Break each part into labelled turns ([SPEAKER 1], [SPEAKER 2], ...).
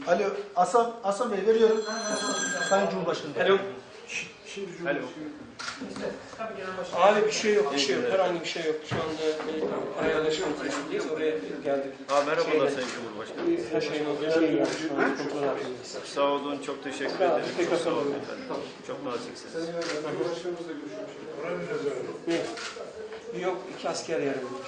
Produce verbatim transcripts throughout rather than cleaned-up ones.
[SPEAKER 1] Alo, Hasan, Hasan Bey veriyorum. Sayın Cumhurbaşkanı.
[SPEAKER 2] Alo.
[SPEAKER 3] Şimdi
[SPEAKER 2] Alo. Abi bir şey yok, bir şey yok. Herhangi bir şey yok. Şu anda ayarlaşma noktasındayız. Oraya geldik.
[SPEAKER 4] Ha, merhabalar
[SPEAKER 2] Şeyle,
[SPEAKER 4] Sayın Cumhurbaşkanı.
[SPEAKER 2] Her şeyin olduğu şey yani. Şu an kontrol altındayız.
[SPEAKER 4] Sağ olun, çok teşekkür
[SPEAKER 2] Sağ olun,
[SPEAKER 4] ederim.
[SPEAKER 2] tekrar
[SPEAKER 4] Çok sağ olun
[SPEAKER 2] sorun.
[SPEAKER 4] efendim. Çok naziksiniz.
[SPEAKER 3] Cumhurbaşkanımızla görüşmüş.
[SPEAKER 2] Ne? Yok, iki asker yaralanmış.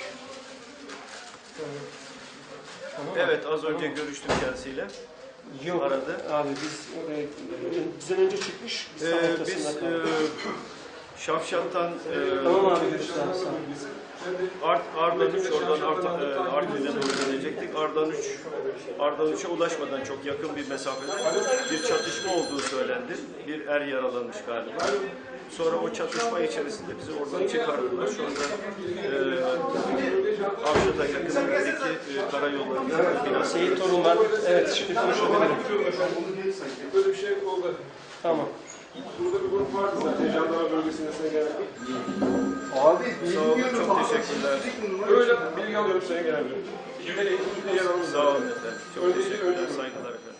[SPEAKER 2] Tamam.
[SPEAKER 4] Evet, az önce görüştüm kendisiyle.
[SPEAKER 2] Yok
[SPEAKER 4] Aradı.
[SPEAKER 2] abi biz oraya bizden önce çıkmış. Biz tam
[SPEAKER 4] Ee,
[SPEAKER 2] ortasında
[SPEAKER 4] biz e,
[SPEAKER 2] kaldık.
[SPEAKER 4] Şavşat'tan e,
[SPEAKER 2] Tamam abi görüşürüz. Sağ ol.
[SPEAKER 4] Art, Ardahan üç, oradan Art, e, Artvin'e doğru gelecektik. Ardahan üç, Ardahan üçe ulaşmadan çok yakın bir mesafede bir çatışma olduğu söylendi. Bir er yaralanmış galiba. Sonra o çatışma içerisinde bizi oradan çıkardılar. Şu anda e, Avşat'a yakınındaki e, karayollarında biraz...
[SPEAKER 2] Seyit Torun var. Evet şimdi konuşabilirim.
[SPEAKER 3] Böyle bir şey oldu.
[SPEAKER 2] Tamam.
[SPEAKER 3] Burada bir grup vardı zaten. Jandarma bölgesine sen geldi.
[SPEAKER 1] Abi,
[SPEAKER 4] Sağ olun, çok teşekkürler.
[SPEAKER 3] Öyle bilgi alıyorum Sayın Genel Müdürüm. İlgili ilgili yer alın.
[SPEAKER 4] Sağ olun efendim. Çok teşekkürler, saygılar efendim.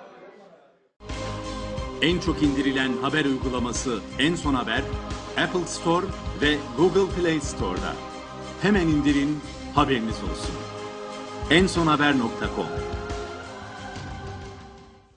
[SPEAKER 5] En çok indirilen haber uygulaması En Son Haber, Apple Store ve Google Play Store'da. Hemen indirin, haberiniz olsun. en son haber nokta com